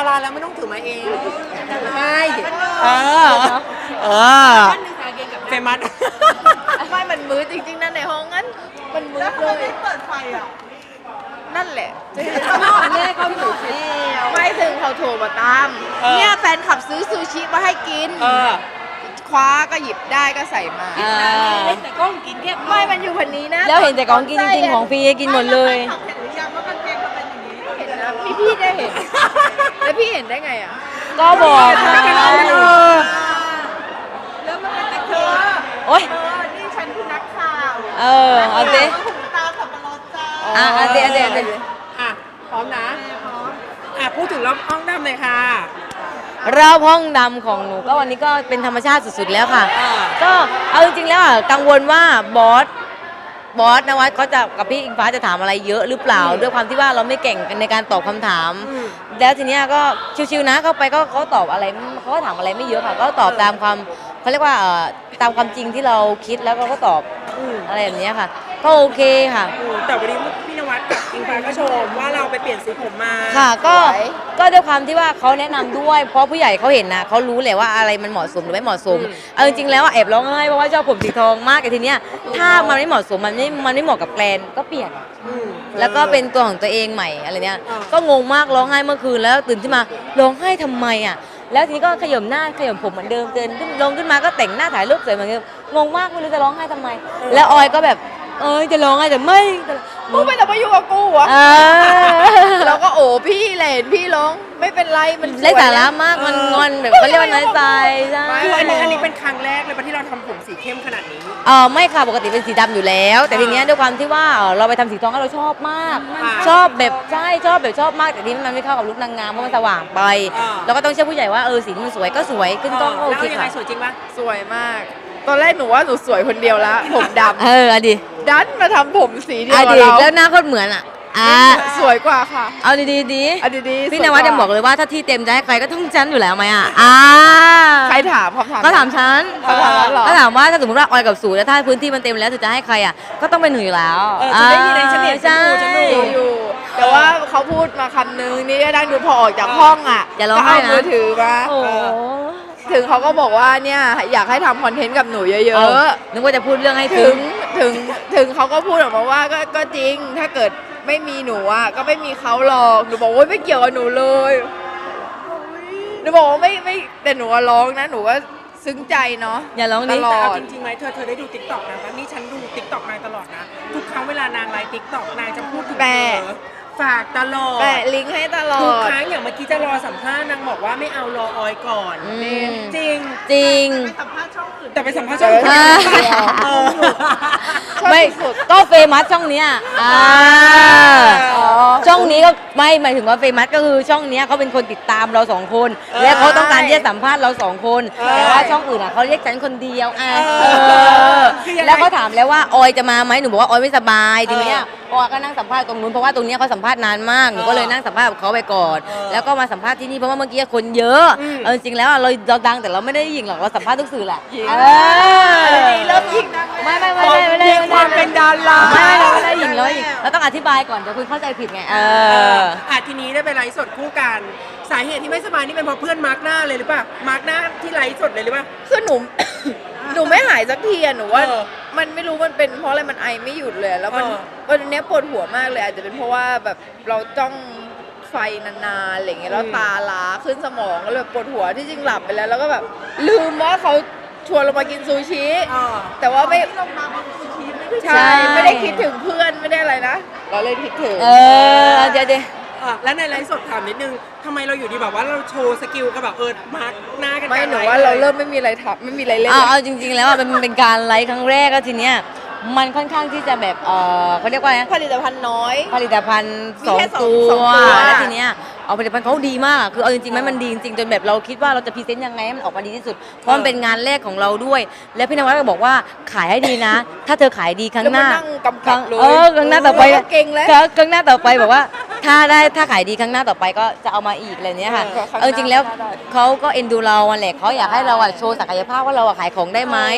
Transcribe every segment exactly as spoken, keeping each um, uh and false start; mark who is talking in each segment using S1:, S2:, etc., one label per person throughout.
S1: ราแล้วไม่ต้องถือมาเองไม่เออเออเฟมัส
S2: ไม่มันมืดจริงๆนั่นในห้องนั้นมันมืดเลยเปิดไฟอ่ะนั่นแหละแม่เขาถูกแล้วไม่ถึงเขาโทรมาตามเนี่ยแฟนขับซื้อซูชิมาให้กินคว้าก็หยิบได้ก็ใส่มาแต่กล้องกินแค่ไม่มันอยู่พันนี้นะ
S3: แล้วเห็นแต่ของกินจริงๆของฟรีกินหมดเลย
S2: เห็นหรือยังว่ากางเกงมันเป็นอย่างนี้เห็นนะพี่พี่ได้เห็นแล้วพี่เห็นได้ไงอ่ะ
S3: ก็บอก
S2: แล้วมันเป็นตะเคียน
S3: โอ๊ย
S2: นี่ฉันคือนักข่าว
S3: เออเอาสิ
S2: ตาสับปะรดจ้า
S3: อ่ะเอาสิเอาสิเอาสิ
S1: อ่ะพร้อมนะอ่ะพูดถึงรอบห้องดำเลยค่ะ
S3: รอบห้องดำของหนูก็วันนี้ก็เป็นธรรมชาติสุดๆแล้วค่ะก็เอาจริงๆแล้วอ่ะกังวลว่าบอสบอสนวัดเขาจะกับพี่อิงฟ้าจะถามอะไรเยอะหรือเปล่าด้วยความที่ว่าเราไม่เก่งในการตอบคำถามแล้วทีเนี้ยก็ชิวๆนะเข้าไปก็เขาตอบอะไรเขาก็ถามอะไรไม่เยอะค่ะก็ตอบตามความเขาเรียกว่าตามความจริงที่เราคิดแล้วก็ตอบอะไรแบบนี้ค่ะก็โอเคค่ะ
S1: แต่วันนี้พี่นวัดกับอิงฟ้าก็ชมว่าเราไปเปลี่ยนสีผมมา
S3: ค่ะก็ก็ด้วยความที่ว่าเขาแนะนำด้วยเพราะผู้ใหญ่เขาเห็นนะเขารู้แหละว่าอะไรมันเหมาะสมหรือไม่เหมาะสมเอาจริงๆแล้วแอบร้องไห้เพราะว่าชอบผมสีทองมากแต่ทีเนี้ยถ้ามันไม่เหมาะสมมันไม่มันไม่เหมาะกับแกรนก็เปลี่ยนแล้วก็เป็นตัวของตัวเองใหม่อะไรเนี้ยก็งงมากร้องไห้เมื่อคืนแล้วตื่นขึ้นมาร้องไห้ทำไมอ่ะแล้วทีนี้ก็ขย่มหน้าขย่มผมเหมือนเดิมเดินขึ้นลงขึ้นมาก็แต่งหน้าถ่ายรูปสวยเหมือนเดิมงงมากไม่รู้จะร้องไห้ทำไมแล้วออยก็แบบเอ้ยจะร้องไห้แต่ไม่
S2: มึงไม่ต้องมาอยู่กับกูวะแล้วก็โอ้พี่แหลนพี่ร้องไม่เป็นไรมัน
S3: ไร้สาระมากมันงอนแบบเขาเรียกว่าน้อยใจใช่
S1: คืออันนี้อันนี้เป็นครั้งแรกเลยที่เราทำผมสีเข้มขนาดนี้
S3: เออไม่ค่ะปกติเป็นสีดำอยู่แล้วแต่ทีเนี้ยด้วยความที่ว่าเราไปทำสีทองเราชอบมากชอบแบบใช่ชอบแบบชอบมากแต่ทีนี้มันไม่เข้ากับลุคนางงามเพราะมันสว่างไปเราก็ต้องเชื่อผู้ใหญ่ว่าเออสีมันสวยก็สวยขึ้นกล้องโอเคค่ะ
S1: สวยจริงปะ
S2: สวยมากตอนแรกหนูว่าหนูสวยคนเดียวแล้วผมดำ
S3: เอออดี
S2: ดันมาทำผมสีเดียวกับ
S3: เราแล้วหน้าโคตรเหมือนอ่ะอ่า
S2: สวยกว่าค่ะ
S3: เอาดีๆดี
S2: เอาดีๆ
S3: พี่นวัดจะบอกเลยว่าถ้าที่เต็มจะให้ใครก็ต้องฉันอยู่แล้วไหมอ่ะอ่า
S2: ใครถามเขาถาม
S3: ก็ถามฉัน
S2: เขาถามหรอ
S3: ก็ถามว่าถ้าสมมติว่าออยกับสูแล้วถ้าพื้นที่มันเต็มแล้วจะให้ใครอ่ะก็ต้องเป็นหนูอยู่แล้ว
S1: เออจะได้ยินในฉันเห็นฉันดูฉันดู
S2: อยู่แต่ว่าเขาพูดมาคำนึงนี่นั่งดูพอออกจากห้องอ่ะ
S3: จะร้องไห้นะ
S2: มือถือมาถึงเขาก็บอกว่าเนี่ยอยากให้ทำคอนเทนต์กับหนูเยอะ
S3: ๆนึกว่าจะพูดเรื่องให้
S2: ถึงถึงถึงเขาก็พูดออกมาว่าก็ก็จริงถ้าเกิดไม่มีหนูอ่ะก็ไม่มีเขาหรอกหนูบอกว่าไม่เกี่ยวกับหนูเลยหนูบอกว่าไม่ไม่แต่หนูร้องนะหนูว่าซึ้งใจเนาะ
S3: อย่าร้อง
S1: ต
S3: ล
S1: อดจริงๆไหมเธอเธอได้ดูติ๊กต็อกนะนี่ฉันดูติ๊กต็อกนางตลอดนะทุกครั้งเวลานางไลฟ์ติ๊กต็อกนางจะพูดถึงเธอฝากตลอด
S2: แปะลิงก์ให้ตลอด
S1: ทุกครั้งอย่างเมื่อกี้จะรอสัมภาษณ์นางบอกว่าไม่เอารอออยก่อนจริง
S3: จริง
S2: ไปสัมภาษณ์ช่องอื่น
S1: แต่ไปสัมภาษณ์ช่องอื่น
S3: ไม่ก็เฟมัสช่องเนี้ยช่องนี้ก็ไม่หมายถึงว่าเฟมัสก็คือช่องนี้เขาเป็นคนติดตามเราสองคนและเขาต้องการที่จะสัมภาษณ์เราสองคนแต่ว่าช่องอื่นอ่ะเขาเรียกฉันคนเดียวอ่ะแล้วเขาถามแล้วว่าออยจะมาไหมหนูบอกว่าออยไม่สบายทีเนี้ยออยก็นั่งสัมภาษณ์ตรงนู้นเพราะว่าตรงนี้เขาสัมภาษณ์นานมากหนูก็เลยนั่งสัมภาษณ์กับเขาไปก่อนแล้วก็มาสัมภาษณ์ที่นี่เพราะว่าเมื่อกี้คนเยอะจริงๆแล้วเราเราดังแต่เราไม่ได้ยิงหรอกเราสัมภาษณ์ทุกสื่อแหละ
S2: เริ่มยิงนะ
S3: ไม่ไม่ไม่ไม่ไม่ไม่
S1: ความเป็นดารา
S3: ไม่เราไม่ได้ยิงเรายิงเราต้องอธิบายก่อนเดี๋ยวคุณเข้าใจผิดไงเออ
S1: อ่ะทีนี้ได้ไปไลฟ์สดคู่กันสาเหตุที่ไม่สบายนี่เป็นเพราะเพื่อนมาร์กหน้าเลยหรือเปล่ามาร์กหน้าที่ไลฟ์สดเลยหรือเปล่า
S2: คือหนูหนูไม่หายสักทีอะหนูว่ามันไม่รู้มันเป็นเพราะอะไรมันไอไม่หยุดเลยแล้วมันวันนี้ปวดหัวมากเลยอาจจะเป็นเพราะว่าแบบเราจ้องไฟนานๆอะไรเงี้ยแล้วตาล้าขึ้นสมองก็เลยปวดหัวที่จริงหลับไปแล้วแล้วก็แบบลืมว่าเขาชวนเรามากินซูชิแต่ว่าไม่ลงมาบนซูชิใช่ไม่ได้คิดถึงเพื่อนไม่ได้อะไรนะเราเลยคิดถึง
S3: เออเดี๋ยวเดี๋ยว
S1: แล้วในไลฟ์สดถามนิดนึงทำไมเราอยู่ดีแบบว่าเราโชว์สกิลกับแบบเออมาร์กหน้ากัน
S2: ไม่หนูว่าเราเริ่มไม่มีอะไรทับไม่มีอะไรเล่น
S3: เอาจริงๆแล้วมันเป็นการไลฟ์ครั้งแรกก็ทีเนี้ยมันค่อนข้างที่จะแบบเออเขาเรียกว่า
S2: ผลิตภัณฑ์น้อย
S3: ผลิตภัณฑ์สองตัวแล้วทีเนี้ยเอาผลิตภัณฑ์เขาดีมากคือเอาจริงๆมันดีจริงๆจนแบบเราคิดว่าเราจะพรีเซนต์ยังไงให้มันออกมาดีที่สุดเพราะมันเป็นงานแรกของเราด้วยแล้วพี่นวัดก็บอกว่าขายให้ดีนะถ้าเธอขายดีครั้งหน้าเออครั้งหน้าต่อไป
S2: เก่งแล้ว
S3: ครั้งหน้าต่อไปบอกว่าถ้าได้ถ้าขายดีครั้งหน้าต่อไปก็จะเอามาอีกอะไรเนี้ยค่ะเอาจริงๆแล้วเขาก็เอ็นดูเราแหละเขาอยากให้เราโชว์ศักยภาพว่าเราขายของได้ไหม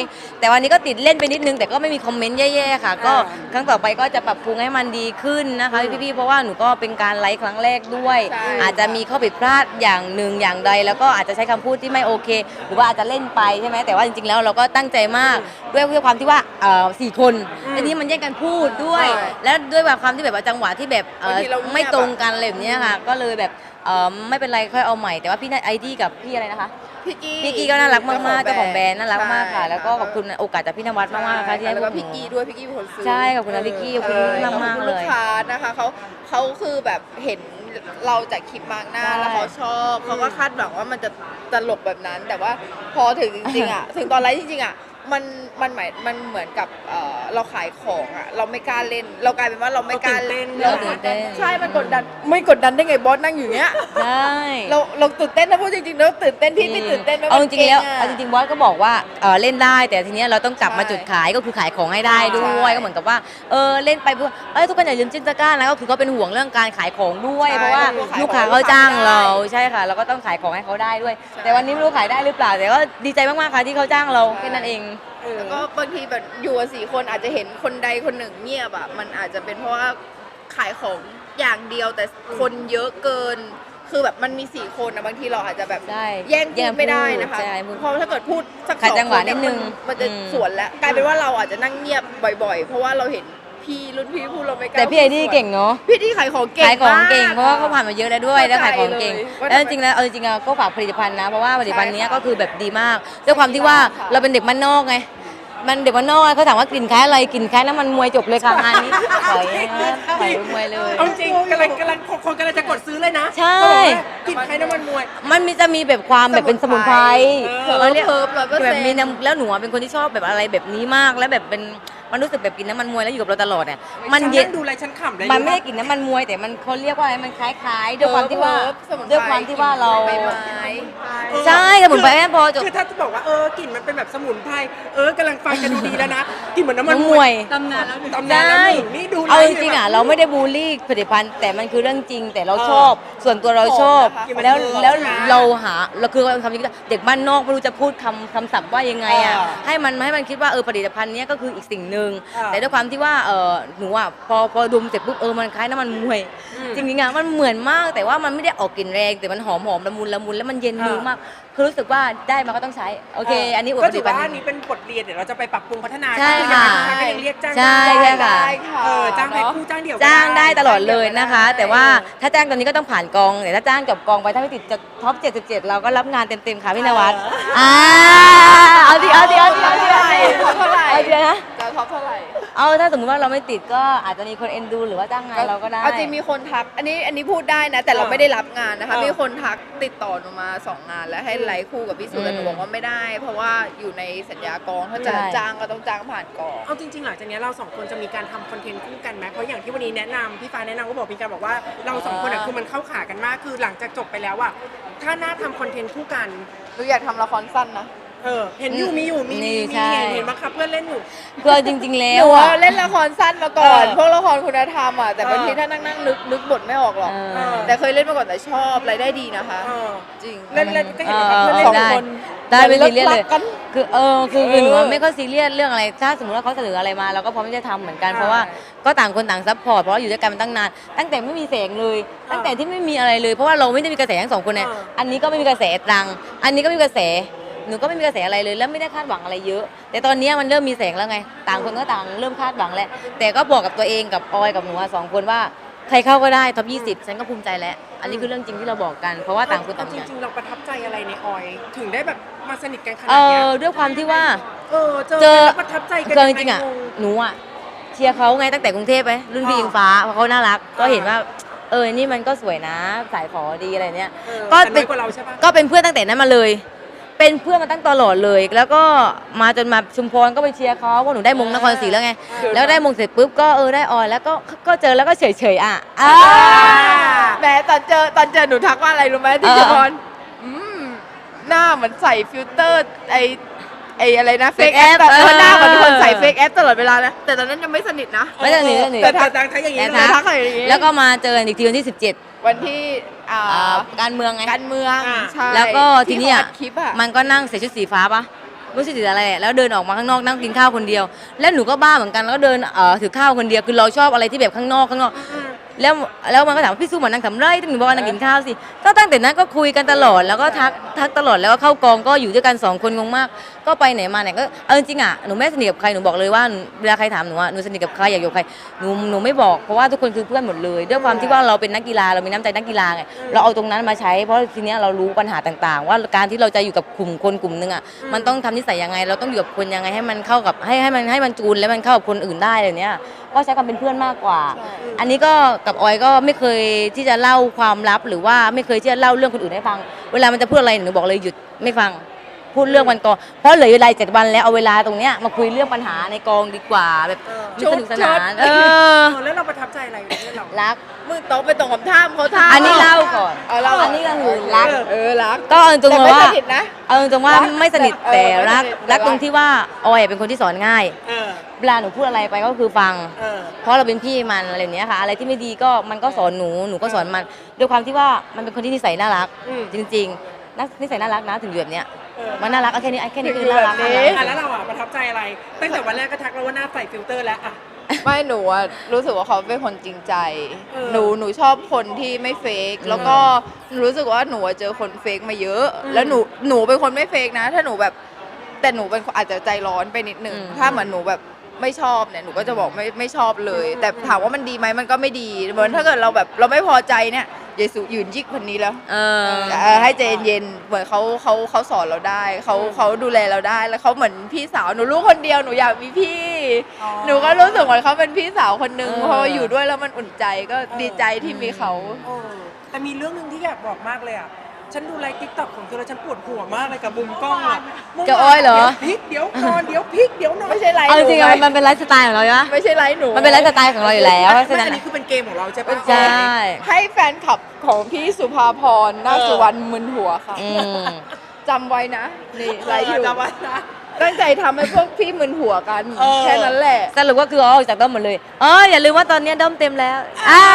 S3: แต่วันนี้ก็ติดเล่นไปนิดนึงแต่ก็ไม่มีคอมเมนต์แย่ๆค่ะ ก็
S1: อ่า
S3: ครั้งต่อไปก็จะปรับปรุงให้มันดีขึ้นนะคะพี่ๆเพราะว่าหนูก็เป็นการไลฟ์ครั้งแรกด้วย
S2: ใช่
S3: อาจจะมีข้อผิดพลาดอย่างหนึ่งอย่างใด แล้วก็อาจจะใช้คำพูดที่ไม่โอเค หรือว่าอาจจะเล่นไปใช่ไหมแต่ว่าจริงๆแล้วเราก็ตั้งใจมากด้วยด้วยความที่ว่าเอ่อสี่คนทีนี้มันแย่งกันพูดด้วย
S2: ใช่
S3: แล้วด้วยแบบความที่แบบว่าจังหวะที่แบบเอ่อบ
S2: างทีเราเงียบ
S3: ไม่ตรงกันอะไรแบบเนี้ยค่ะ ก็เลยแบบเอ่อไม่เป็นไรค่อยเอาใหม่แต่ว่าพี่ไอดี้กับพี่อะไรนะคะ
S2: พี่กี้
S3: พี่กี้ก็น่ารักมากๆเจ้าของแบรนด์น่ารักมากค่ะ
S2: ใช่
S3: แล้วก็ขอบคุณโอกาสจากพี่นวัดมากๆค่ะที่ให้
S2: แล้ว
S3: พ
S2: ก็
S3: วกหนู
S2: พี่กี้ด้วยพี่กี้เป็นคนซื้อ
S3: ใช่ขอบคุณนะพี่กี้ขอบคุณ
S2: ใช่
S3: มากๆ
S2: ขอบคุณ
S3: เลย
S2: ลูกค้านะคะเขาเขาคือแบบเห็นเราจากคลิปมาร์กหน้า
S3: ใช่
S2: แล้วเขาชอบเขาก็คาดหวังว่ามันจะตลกแบบนั้น แต่ว่าพอถึงจริงๆอ่ะ ถึงตอนไลฟ์จริงๆอ่ะมันมันหมายมันเหมือนกับเอ่อเราขายของอ่ะเราไม่กล้าเล่น เรากลายเป็นว่าเราไม่กล้า
S1: เราตื่นเต้น
S3: เราตื่นเต้น
S2: ใช่มันกดดันไม่กดดันได้ไงบอสนั่งอยู่เนี้ย
S3: ใช่
S2: เราเราตื่นเต้นนะพูดจริงๆแล้วตื่นเต้นพี่ไม่ตื่นเต้นไหม
S3: เอาจริงๆแล้ว
S2: มันก่ะ
S3: เอาจริงๆบอสก็บอกว่าเออเล่นได้แต่ทีเนี้ยเราต้องกลับมา
S2: ใช่
S3: จุดขายก็คือขายของให้ได้ด้วย
S2: ใช่
S3: ก็เหมือนกับว่าเออเล่นไปเพื่อเอ้ยทุกคนอย่าลืมจิ้นตะกร้านะก็คือเขาเป็นห่วงเรื่องการขายของด้วย
S2: ใช่
S3: เพราะว่า
S2: เพราะว่า
S3: ลูกค้า
S2: ขายของ
S3: เขาจ้าง
S2: ไม่ได้
S3: เราใช่ค่ะเราก็ต้องขายของให้เขาได้ด้วย
S2: ใช่
S3: แต่วันนี้ไม่รู้ขายได้หรือเปล่าแต่ก็ดีใจมากๆค่ะที่เขาจ้างเราแค่นั้นเอง
S1: เออ
S2: แล้วก็บางทีแบบอยู่กันสี่คนอาจจะเห็นคนใดคนหนึ่งเงียบอ่ะมันอาจจะเป็นเพราะว่าขายของอย่างเดียวแต่คนเยอะเกิน คือแบบมันมีสี่คนนะบางทีเราอาจจะแบบ
S3: ใช่
S2: แย่ง
S3: แย่
S2: พู
S3: ง
S2: ดไม่ได้นะคะ
S3: ใช่พูด
S2: เพราะถ้าเกิดพูดสัก
S3: ขัด
S2: สอง
S3: จังหวะ
S2: คนเย
S3: นิดนึง
S2: มัมันจะ
S3: อืม
S2: สวนแล้วกลายเป็นว่าเราอาจจะนั่งเงียบบ่อย ๆ เพราะว่าเราเห็นพี่รุ่นพี่พูดเราไม่กล้า
S3: แต่พี่ไอดี้
S2: พูสวน
S3: เก่งเนาะ
S2: พี่ที่ขายของเก่ง
S3: ขายของเก่ง
S2: ม
S3: เพราะว่าเขาผ่านมาเยอะแล้วด้วยแล้วขายของเก่ง
S2: เข้าใจเลย
S3: แล้วจริงๆแล้วเอาจริงๆอะก็ฝากผลิตภัณฑ์นะเพราะว่าผลิตภัณฑ์เนี้ย
S2: ใช่ค่ะ
S3: ก็คือแบบดีมากด้วยความที่ว่า
S2: ค่ะ
S3: เราเป็นเด็กบ้านนอกไงมันเด็กบ้านนอกอะเขาถามว่ากลิ่นคล้ายอะไรกลิ่นคล้ายน้ำมันมวยจบเลยค่ะงานนี้ถอยนะถอยมวยเลย
S1: เอาจริงกำลังกำลังคนกำลังจะกดซื้อเลยนะ
S3: ใช่
S1: เขาบอกว่ากินใครน้ำมันมวย
S3: มันมีจะมีแบบความแบบเป็นสมุนไพร
S1: เออ
S3: เราเรียก
S2: เฮิร์บร้อยเปอร์เซ็นต์
S3: แบบมีน้ำแล้วหนูอะเป็นคนที่ชอบแบบอะไรแบบนี้มากแล้วแบบเป็นมันรู้สึกแบบกินน้ำมันมวยแล้วอยู่กับเราตลอดเนี่ยมันเย็น
S1: ฉังดูอะไรฉันขำเลย
S3: มันไม่ได้กลิ่นน้ำมันมวยแต่มันเขาเรียกว่าอะไรมันคล้ายๆด้วยความที่ว่า
S2: เฮิร์บสมุนไพร
S3: ด้วยความที่ว่าเรา
S2: ใบไม้
S3: ใช่สมุนไพรแม่พอจบ
S1: คือถ้าจะบอกว่าเออกลิ่นมันเป็นแบบสมุนไพรเออกำลังฟังกันดูดีแล้วนะกลิ่นเหมือนน้ำมัน
S3: น้ำมวย
S1: ตำนานแล้วตำนานแล้วหนึ่งนี่ดู
S3: เอาจ
S1: ไลฟ์
S3: ริงๆอ่ะ
S1: แบบ
S3: เราไม่ได้บูลลี่ผลิตภัณฑ์แต่มันคือเรื่องจริงแต่เราชอบ ส่วนตัวเราชอบ
S2: ชอบนะคะ
S3: แล้ว
S1: มันคือ
S3: แล้ว
S1: ใช่ไหม
S3: เราหาเราคือคำนี้เด็กบ้านนอกไม่รู้จะพูดคำคำศัพท์ว่ายังไงอ่ะ
S1: เออ
S3: ให้มันให้มันคิดว่าเออผลิตภัณฑ์เนี้ยก็คืออีกสิ่งหนึ่ง
S1: เออ
S3: แต่ด้วยความที่ว่าเออหนูอ่ะพอพอดมเสร็จปุ๊บเออมันคล้ายน้ำมันมวย
S1: อืม
S3: จริงๆอ่ะมันเหมือนมากแต่ว่ามันไม่ได้ออกกลิ่นแรงแต่มันหอมหอมละมุนละมุนแล้วมันเย็นมือ
S1: เออ
S3: มากคือรู้สึกว่าได้มาก็ต้องใช้โอเค อันนี้อวด
S1: ก็
S3: ผ
S1: ถื
S3: ลิ
S1: อ
S3: ตภัณ
S1: ว่า
S3: ฑ์
S1: อันนี้เป็นบทเรียนเดี๋ยวเราจะไปปรับปรุงพัฒนา
S3: ใช่
S1: ก็ยัง
S3: ค่ะ
S1: ก็ยังเรียกจ้าง
S3: ใช่
S1: ได้
S3: ใช่ค่ะ
S2: ได้ค่ะ
S1: เออจ้างแพ็ค
S2: เนอะ
S1: คู่จ้างเดี่ยวก็
S3: จ้างได้ตลอดเลยนะคะ
S2: ได้
S3: แต่ว่าถ้าจ้างตอนนี้ก็ต้องผ่านกองแต่ถ้าจ้างจบกองไปถ้าไม่ติดจะท็อปเจ็ดสิบเจ็ดเราก็รับงานเต็มๆค่ะพี่นวัดอ่าเอาดิเอาดิเอาดิเอาดิ
S2: เท่าไหร่เท่าไหร่
S3: เอาดินะ
S2: จะท็อปเท่าไหร่
S3: เอาถ้าสมมติว่าเราไม่ติดก็อาจจะมีคนเอ็นดูหรือว่าจ้างงานเราก็ได้
S2: เอาจริงมีคนทัก อันนี้อันนี้พูดได้นะ แต่เรา
S1: เออ
S2: ไม่ได้รับงานนะคะ
S1: เออ
S2: มีคนทักติดต่อหนูมาสองงาน แล้วให้ไลฟ์คู่กับพี่สุแต่หนู
S3: อืม
S2: บอกว่าไม่ได้ เพราะว่าอยู่ในสัญญากองถ้าจะ
S3: ใช่
S2: จ้างก็ต้องจ้างผ่านกอง
S1: เอาจริงๆหลังจากนี้เราสองคนจะมีการทำคอนเทนต์คู่กันไหมเพราะอย่างที่วันนี้แนะนำพี่ฟ้าแนะนำก็บอกมีการบอกว่าเราสองคนอะคือมันเข้าขากันมากคือหลังจากจบไปแล้วอะถ้าน่าทำคอนเทนต์คู่กัน
S2: หนูอยากทำละครสั้นนะ
S1: เออเห็นอยู่มีอยู่มี
S3: นี่
S1: มี
S3: ใช่
S1: เห็นเห็นบังคับเพื่อนเล่นอยู่
S3: คือเอาจริง ๆ แล้
S2: หนู
S3: ว
S2: อะ
S3: อะ
S2: เล่นละครสั้นมาก่อน
S1: เออ
S2: พวกละครคุณธรรมอ่ะ แต่บางที
S1: เออ
S2: ถ้านั่งนั่งนึกนึกบทไม่ออกหรอก
S3: เออ
S1: เออ
S2: แต่เคยเล่นมาก่อนแต่ชอบรายได้ดีนะคะ
S1: เออ
S2: จริง
S1: เล่นเล่นก็เห็น
S3: เอ
S1: บังคับ
S3: อ
S1: เพื่อน
S3: เอ
S1: เล่
S3: อน
S1: สอง
S3: ได้
S1: คน
S3: ได้ไม่ซีเรียสเลย
S2: รักกัน
S3: คือเออคือคือหนู
S2: เออ
S3: ไม่ค่อยซีเรียสเรื่องอะไร ถ้าสมมติว่าเขาเสนออะไรมาเราก็พร้อมที่จะทำเหมือนกัน
S1: ใช่
S3: เพราะว่าก็ต่างคนต่างซัพพอร์ตเพราะว่าอยู่ด้วยกันมาตั้งนาน ตั้งแต่ไม่มีแสงเลย ตั้งแต่ที่ไม่มีอะไรเลย เพราะว่าเราไม่ได้มีกระแสทั้งสองคนเนี่ย
S1: เออ
S3: อันนี้ก็ไม่มีกระแสตรัง อันนี้ก็ไม่มีกระแส หนูก็ไม่มีกระแสอะไรเลย แล้วไม่ได้คาดหวังอะไรเยอะ แต่ตอนนี้มันเริ่มมีแสงแล้วไง ต่างคนก็ต่างเริ่มคาดหวังแล้ว แต่ก็บอกกับตัวเองกับออยกับหนูอะสองคนว่าใครเข้าก็ได้ท็อปยี่สิบฉันก็ภูมิใจแล้ว อันนี้คือเรื่องจริงที่เราบอกกัน เพราะว่าต่างคนต่าง
S1: จ
S3: อย่าง
S1: ริงๆเราประทับใจอะไรในออย ถึงได้แบบมาสนิทกันข
S3: เอ
S1: นาดเนี้ย
S3: อด้วยความที่ว่า
S1: เออเจอ
S3: เจอ
S1: แล้วประทับใจกัน
S3: เจอจริงๆอ่ะ
S1: ยัไง
S3: หนูอ่ะเชียร์เขาไงตั้งแต่กรุงเทพไปรุ่นพี่
S1: อ่า
S3: อิงฟ้าเพราะเขาน่ารัก ก็
S1: อ่า
S3: เห็นว่า เออนี่มันก็สวยนะสายฝอดีอะไรเนี้ย
S1: เออ
S3: ก็
S1: แต่
S3: เป็
S1: น้อน ยกว่าเราใช่ปะ
S3: ก็เป็นเพื่อนตั้งแต่นั้นมาเลย เป็นเพื่อนมาตั้งตลอดเลย แล้วก็มาจนมาชุมพรก็ไปเชียร์เขาเพราะหนูได้มงนครศรีแล้วไง แล้วได้มงเสร็จปุ๊บก็เออได้ออยแล้วก็ก็เจอแล้วก็เฉยๆอ่ะอ่า
S2: แหม้ตอนเจอตอนเจอหนูทักว่าอะไรรู้ไหมที่
S3: เออ
S2: เจพรอืมหน้าเหมือนใส่ฟิลเตอร์ไอไออะไรนะเฟก
S3: Fake
S2: แอ
S3: app
S2: ปเออ
S3: เออ
S2: หน้าเหมือนคนใส่เฟกแอปตลอดเวลานะแต่ตอนนั้นยังไม่สนิทนะ
S3: ไม่สนิทไม่สนิท
S1: แต่ทักทักอย่างนี้
S3: แต่
S1: เล
S3: ทั
S1: ย
S3: ก
S2: ทักอะไรอย่างงี้
S3: แล้วก็มาเจอกันอีกทีวันที่สิบเจ็ด
S2: วันที่อ่า
S3: อ่าการเมืองไง
S2: การเมือง
S1: อ่า
S2: ใช่
S3: แล้วก็ทีเนี้ย
S2: ที่เขาอัดคลิปอ่ะ
S3: มันก็นั่งใส่ชุดสีฟ้าปะรู้สึกติดอะไรแหละแล้วเดินออกมาข้างนอกนั่งกินข้าวคนเดียว แล้วหนูก็บ้าเหมือนกันแล้วก็เดินเอ่อถือข้าวคนเดียวคือเราชอบอะไรที่แบบข้างนอกข้างนอก แล้วแล้วมันก็ถามว่าพี่สู้เหมือนนางทำไรถึงหนูบอกว่านั่งกินข้าวสิก็ตั้งแต่นั้นก็คุยกันตลอดแล้วก็ทักทักตลอดแล้วก็เข้ากองก็อยู่ด้วยกันสองคนงงมาก ก็ไปไหนมาไหนก็เอาจริงๆอ่ะหนูไม่สนิทกับใครหนูบอกเลยว่าเวลาใครถามหนูว่าหนูสนิทกับใครอยากอยู่กับใครหนูหนูไม่บอกเพราะว่าทุกคนคือเพื่อนหมดเลยด้วยความที่ว่าเราเป็นนักกีฬาเรามีน้ำใจนักกีฬาไงเราเอาตรงนั้นมาใช้เพราะทีเนี้ยเรารู้ปัญหาต่างๆ ว่าการที่เราจะอยู่กับกลุ่มคนกลุ่มนึงอ่ะมันต้องทำนิสัยยังไงเราต้องอยู่กับคนยังไงให้มันเข้ากับให้ให้มันให้มันจูนแล้วมันเข้ากับคนอื่นได้อะไรเนี้ยก็ใช้ความเป็นเพื่อนมากกว่า อันนี้ก็กับออยก็ไม่เคยที่จะเล่าความลับหรือว่าไม่เคยที่จะเล่าเรื่องคนอื่นให้ฟัง เวลามันจะพูดอะไรหนูบอกเลยหยุดไม่ฟังพูดเรื่องวันกองเพราะเหลือเวลาเจ็ดวันแล้วเอาเวลาตรงเนี้ยมาคุยเรื่องปัญหาในกองดีกว่าแบบสนุกสนานเออ
S1: เออแล้วเราประทับใจอะไรในเรื่องเรา
S3: รัก
S2: มึงต้องไปตรงกับท่ามเขาท่าม
S3: อันนี้เล่าก่อน
S2: เอาเล่า
S3: อันนี้ก็คือรัก
S2: เออรัก
S3: ก็เอาตรง
S2: แต่
S3: ๆ
S2: ไม่
S3: ว่า
S2: สนิทนะ
S3: เอาตรงๆว่า
S2: รัก
S3: ไม่สนิท
S2: เออ
S3: แต่รัก
S2: ไม่สนิทแต่
S3: รักตรง
S2: รัก
S3: ที่ว่าออยเป็นคนที่สอนง่าย
S1: เออ
S3: เวลาหนูพูดอะไรไปก็คือฟัง
S1: เออ
S3: เพราะเราเป็นพี่มันอะไรอย่างเนี้ยค่ะ อะไรที่ไม่ดีก็มันก็สอนหนูหนูก็สอนมันด้วยความที่ว่ามันเป็นคนที่นิสัยน่ารัก
S1: อืม
S3: จริงๆนักนิสัยน่ารักนะถึงอยู่แบบเนี้ย
S1: เออ
S3: มันน่ารักเอาแค่นี้แค่นี้คือน่ารัก
S2: ถึงอยู่แบบนี้
S1: อ่ะแล้วเราอ่ะประทับใจอะไร ตั้งแต่วันแรกก็ทักเราว่าหน้าใส่ฟิลเตอร์แล้วอ่ะ
S2: ไม่หนูอะรู้สึกว่าเขาเป็นคนจริงใจ
S1: เออ
S2: หนูหนูชอบคนที่ไม่เฟกแล้วก็หนูรู้สึกว่าหนูอะเจอคนเฟกมาเยอะ
S1: อืม
S2: แล้วหนูหนูเป็นคนไม่เฟกนะ ถ้าหนูแบบแต่หนูเป็นคนอาจจะใจร้อนไปนิดนึง
S3: อืม
S2: ถ้าเหมือนหนูแบบไม่ชอบเนี่ยหนูก็จะบอกไม่ไม่ชอบเลย แต่ถามว่ามันดีไหมมันก็ไม่ดีเหมือนถ้าเกิดเราแบบเราไม่พอใจเนี่ยเยซูยืนยิกคนนี้แล้ว
S3: เออ
S2: เออให้ใจเย็นๆเหมือนเขาเขาเขาสอนเราได้เขาเขาดูแลเราได้แล้วเขาเหมือนพี่สาวหนูลูกคนเดียวหนูอยากมีพี่
S1: อ๋อ
S2: หนูก็รู้สึกเหมือนเขาเป็นพี่สาวคนหนึ่ง
S3: เออ
S2: พออยู่ด้วยแล้วมันอุ่นใจก็ดีใจที่มีเขา
S1: เออแต่มีเรื่องหนึ่งที่อยากบอกมากเลยอ่ะ ฉันดูไลฟ์ติ๊กต็อกของเธอแล้วฉันปวดหัวมากเลยกับมุมกล้องอ่ะมุม
S3: กับอ้อยเหรอ
S1: ดี๋วพลิกเดี๋ยวนอนเดี๋ยวพลิกเดี๋ยวนอน
S2: ไม่ใช่ไลฟ์
S3: เอา
S2: ห
S3: จ
S2: นู
S3: ริงๆ
S2: ไง
S3: อะมันเป็นไลฟ์สไตล์ของเราใช่ไหม
S2: ไม่ใช่ไลฟ์หนู
S3: มันเป็นไลฟ์สไตล์ของเราอยู่แล้วเพราะฉะ
S1: ไม่
S3: นั้น
S1: อันนี้คือเป็นเกมของเราใช่ปะ
S3: ใช่
S2: ให้แฟนคลับของพี่สุภาพรนาคสุวรรณมึนหัวค่ะ
S3: อืม
S2: จำไว้นะนี่ไลฟ์อยู่
S1: จำไว้นะ
S2: ตั้งใจทำให้พวกพี่มึนหัวกัน
S1: เออ
S2: แค่นั้นแหละ
S3: สรุปก็คือเอาออกจากด้อมหมดเลยเอออย่าลืมว่าตอนนี้ด้อมเต็มแล้วอ่า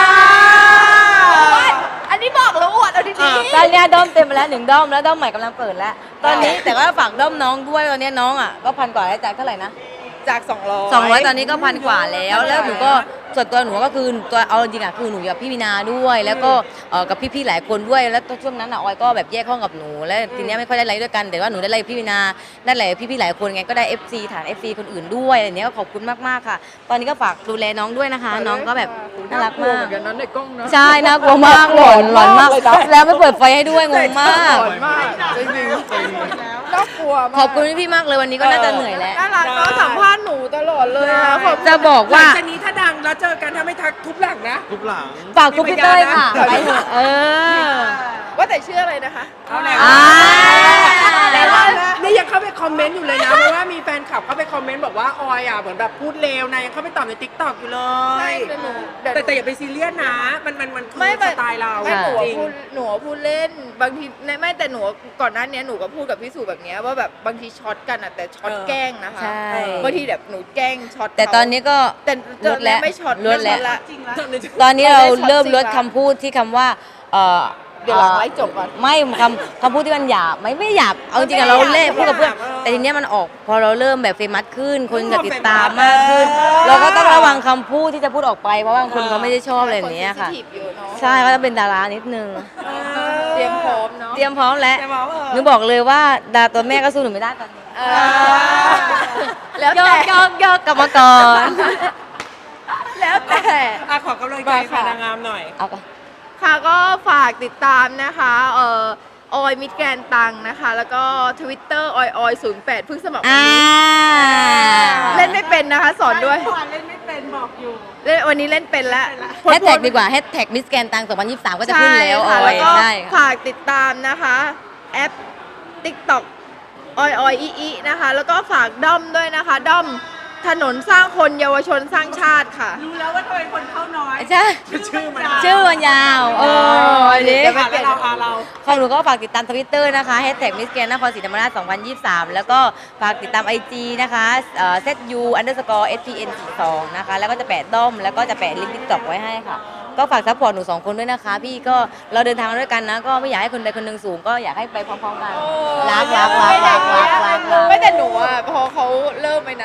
S2: อันนี้บอกแล้วอวดเอาดี
S1: อ่า
S3: ตอนเนี้ยด้อมเต็มไปแล้วหนึ่งด้อมแล้วด้อมใหม่กำลังเปิดแล้ว ตอนนี้แต่ว่าฝากด้อมน้องด้วยตอนนี้น้องอ่ะก็พันกว่าแล้วจากเท่าไหร่นะ
S2: ๆจากสองร้อย
S3: สองร้อยตอนนี้ก็พันกว่าแล้ว แล้วหนูก็ส่วนตัวหนูก็คือตัวเอาจริงๆอ่ะคือหนูอยู่กับพี่วินาด้วย แล้วก็เอ่อกับพี่ๆหลายคนด้วยแล้วช่วงนั้นอ่ะออยก็แบบแยกห้องกับหนูแล้วทีเนี้ยไม่ค่อยได้ไลฟ์ด้วยกันแต่ว่าหนูได้ไลฟ์กับพี่วินาได้ไลฟ์กับพี่ๆหลายคนไงก็ได้ เอฟ ซี ฐาน เอฟ ซี คนอื่นด้วยอะไรเนี้ยก็ขอบคุณมากๆค่ะ ตอนนี้ก็ฝากดูแลน้องด้วยนะคะ น้องก็แบบน่ารักมาก
S2: เหมือนกันนั้นในกล้องนะ
S3: ใช่น่ากลัวมากหลอนหลอนมาก
S2: เลยนะ
S3: แล้วไม่เปิดไฟให้ด้วยงงมาก
S2: หลอนมากจริงๆน่ากลัวมาก
S3: ขอบคุณพี่ๆมากเลยวันนี้ก็น่าจะเหนื่อยแล้ว
S2: น่ารักก็สัมภาษณ์หนูตลอดเลยนะขอบคุณ
S3: จะบอก
S1: หลั
S3: ว่า
S1: งจากนี้ถ้าดังแล้วเจอกันถ้าไม่ทักทุบหลังนะ
S4: ทุบหลัง
S3: ฝากคุณพี่เต้ยค่ะ
S1: มีพยานนะ
S3: ไปเถอะเออ
S2: ว่าแต่ชื่ออะไรนะคะ
S1: เอาแล้ว
S3: อ่า
S1: แต่ว่านี่ยังเข้าไปคอมเมนต์อยู่เลยนะ เพราะว่ามีแฟนคลับเข้าไปคอมเมนต์บอกว่าออยอ่ะเหมือนแบบพูดเลวนะยังเข้าไปตอบในติ๊กต็อกอยู่เล
S2: ใช่
S1: ย
S2: แต่หนูเดี๋ยว
S1: แต่แต่อย่าไปซีเรียสนะ มันมันมันคือ
S2: ไม่
S1: สไตล์เรา
S2: ไม่หนู
S1: จริง
S2: พูดหนูพูดเล่นบางทีไม่แต่หนูก่อนหน้านี้หนูก็พูดกับพี่สุแบบเนี้ยว่าแบบบางทีช็อตกันอ่ะแต่ช็อต
S1: เออ
S2: แกล้งนะคะ
S3: ใช่
S2: บางทีแบบหนูแกล้งช็อต
S3: แต่ตอนนี้ก็
S2: แต่
S3: ลดแล้ว
S2: ไม่ช็อต
S3: ลดแล้ว
S2: ไม่ช็อตละ
S3: ตอนนี้เรา
S2: เราได้ช็อต
S3: เริ่ม
S2: จริง
S3: ลด
S2: ละ
S3: คำพูดที่คำว่าเอ่อ
S2: เดี๋ยวหลังไลฟ์จบก่อน
S3: ไม่คำคำพูดที่มันหยาบไม่ไม่หยาบเอาจริงๆอะเราเล่นพูดกับเพื่อนแต่ทีเนี้ยมันออกพอเราเริ่มแบบเฟมัสขึ้น คนจะติดตามมากขึ้น เราก็ต้องระวังคำพูดที่จะพูดออกไปเพราะว่าบางคนเขาไม่ได้ชอบอะไรแบบเนี้ยค่ะ
S2: น sensitive เยอะเนอะ
S3: ใช่ก็จะเป็นดารานิดนึง
S2: เตรียมพร้อมเนาะ
S3: เตรียมพร้อมแล้ว
S1: แต่ว่าเออ
S3: หนูบอกเลยว่าดาตัวแม่ก็สู้หนูไม่ได้ตอนนี้
S2: เออแล้ว
S3: ย
S2: แต่
S3: กยกยกกลับมาก่อน
S2: แล้วแต่
S1: อ่ะขอกำลังใจ
S2: มาค่ะ
S1: แฟนนางงามหน่อย
S3: เอาก่อน
S2: ค่ะก็ฝากติดตามนะคะเอ่อออยมิดแกนตังนะคะ แล้วก็ Twitter ออยออยศูนย์แปดเพิ่งสมัครวัน
S3: อ่า
S2: นี้เล่นไม่เป็นนะคะ สอนด้วย
S1: เล่นไม่เป็นบอกอยู่
S2: เล่นวันนี้เล่นเป็นแล้ว
S3: แฮชแท็กดีกว่าแฮชแท็กมิสแกนตังสองพันยี่สิบสามก็จะขึ้นแล้วอ
S2: ใช่ค่ะ
S3: อ
S2: แล้ว
S3: ย
S2: ก็
S3: ใช่ค่ะ
S2: ฝากติดตามนะคะ แอป TikTok ออยออยอีอีนะคะ แล้วก็ฝากด้อมด้วยนะคะ ด้อมถนนสร้างคนเยาวชนสร้างชาติค่ะ
S1: รู้แล้วว่าทำไมคนเข้าน้อย
S3: ใช่
S1: ชื่อมัน
S3: ชื่อมันยาวเอออันนี้
S2: เดี๋ยวไป
S1: อ่ะแล้วเราอ่ะเรา
S3: ของหนูก็ฝากติดตามทวิตเตอร์นะคะแฮชแท็กมิสแกนนครศรีธรรมราชสองพันยี่สิบสามแล้วก็ฝากติดตาม ไอ จี นะคะเอ่อ @zu underscore spn สี่สองนะคะแล้วก็จะแปะด้อมแล้วก็จะแปะลิงก์ติ๊กต็อกไว้ให้ค่ะ ก็ฝากซัพพอร์ตหนูสองคนด้วยนะคะ พี่ก็เราเดินทางด้วยกันนะ ก็ไม่อยากให้คนใดคนหนึ่งสูงก็อยากให้ไปพร้อมๆกันรักรักรักรักรักรักรัก
S2: ไม่แต่หนู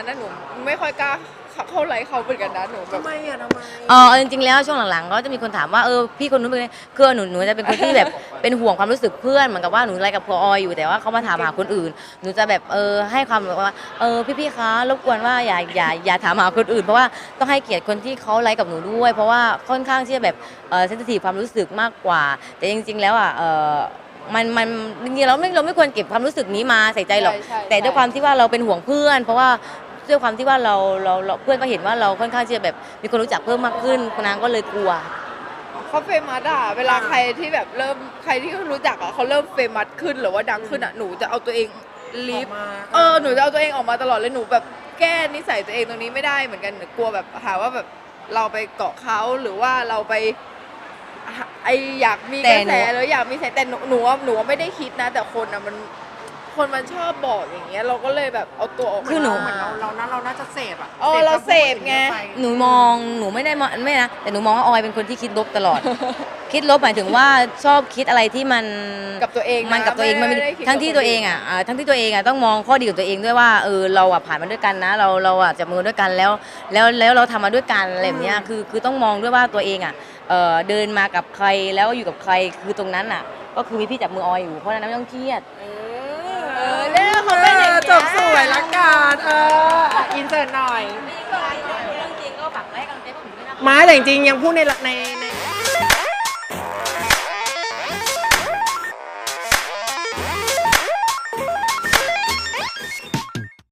S2: นั้นนะหนูไม่ค่อยกล้าเข้าไลฟ์เขาเหมือนกันนะหนูแบบ
S1: ทำไมอ่ะทำไม
S3: เออจริงๆแล้วช่วงหลังๆก็จะมีคนถามว่าเออพี่คนนู้นเป็นไงคือหนูหนูจะเป็นคนที่แบบ เป็นห่วงความรู้สึกเพื่อนเหมือนกับว่าหนูไลฟ์กับพอออยู่แต่ว่าเขามาถามหาคนอื่น หนูจะแบบเออให้ความแบบว่าเออพี่ๆคะรบกวนว่าอย่าอย่าอย่าถามหาคนอื่นเพราะว่าต้องให้เกียรติคนที่เขาไลฟ์กับหนูด้วย เพราะว่าค่อนข้างที่จะแบบเออเซนซิทีฟความรู้สึกมากกว่า แต่จริง ๆแล้วอ่ะเออมันมันจริงๆเราไม่เราไม่ควรเก็บความรู้สึกนี้มาใส่ใจหรอก
S2: ใช่ใช่
S3: แต่ด้วยความที่ว่าเราเป็นห่วงเพื่อน เพราะว่าด้วยความที่ว่าเราเราเราเพื่อนก็เห็นว่าเราค่อนข้างที่จะแบบมีคนรู้จักเพิ่มมากขึ้นนางก็เลยกลัว
S2: เขาเฟมัสอะเวลาใครที่แบบเริ่มใครที่เขารู้จักอะเขาเริ่มเฟมัสขึ้นหรือว่าดังขึ้นอะหนูจะเอาตัวเองลีฟ
S1: ออกมา
S2: เออหนูจะเอาตัวเองออกมาตลอดเลยหนูแบบแก้นิสัยตัวเองตรงนี้ไม่ได้เหมือนกันหนูกลัวแบบหาว่าแบบเราไปเกาะเขาหรือว่าเราไปไออยากมี
S3: แต่
S2: กระ
S3: หนู
S2: แสหรืออยากมีแสแต่หนูหนูว่าหนูว่าไม่ได้คิดนะ แต่คนอะมันคนมันชอบบอกอย่างเงี้ยเราก็เลยแบบเอาตัวออกมา
S3: คือหนู
S1: เหมือนเราเราน่าเราน่าจะเสพอ่ะ
S2: เออเราเสพไง
S1: ป
S3: หนูมองหนูไม่ได้มองไม่นะแต่หนูมองว่าออยเป็นคนที่คิดลบตลอด คิดลบหมายถึงว่าชอบคิดอะไรที่มัน
S2: กับตัวเองนะ
S3: มันกับตัวเองมันไม่
S2: ไม่ได้คิด
S3: ทั้งที่
S2: กับคน
S3: ตัวเองอ่ะอ่าทั้งที่ตัวเองอ่ะต้องมองข้อดีของตัวเองด้วยว่าเออเราอ่ะผ่านมาด้วยกันนะ เราเราอ่ะจับมือด้วยกันแล้ว แล้วแล้วเราทำมาด้วยกันอะไรแบบเนี้ยคือคือต้องมองด้วยว่าตัวเองอ่ะเออเดินมากับใครแล้วอยู่กับใครคือตรงนั้นอ่ะ ก็คือมีพี่จับมือออยอยู่เพราะฉะนั้นไม่ต้องเครียด
S2: เออเนี่ยเขาเป็นอย่างเงี้ย
S1: จบสวยละกันเอออินเสิร์ตหน่อย
S3: เรื่องจริงก็ฝากไว้ให้กำลังใจพวกหนูด้วยนะคะ
S1: ไม้แต่จริงๆยังพูดในในใน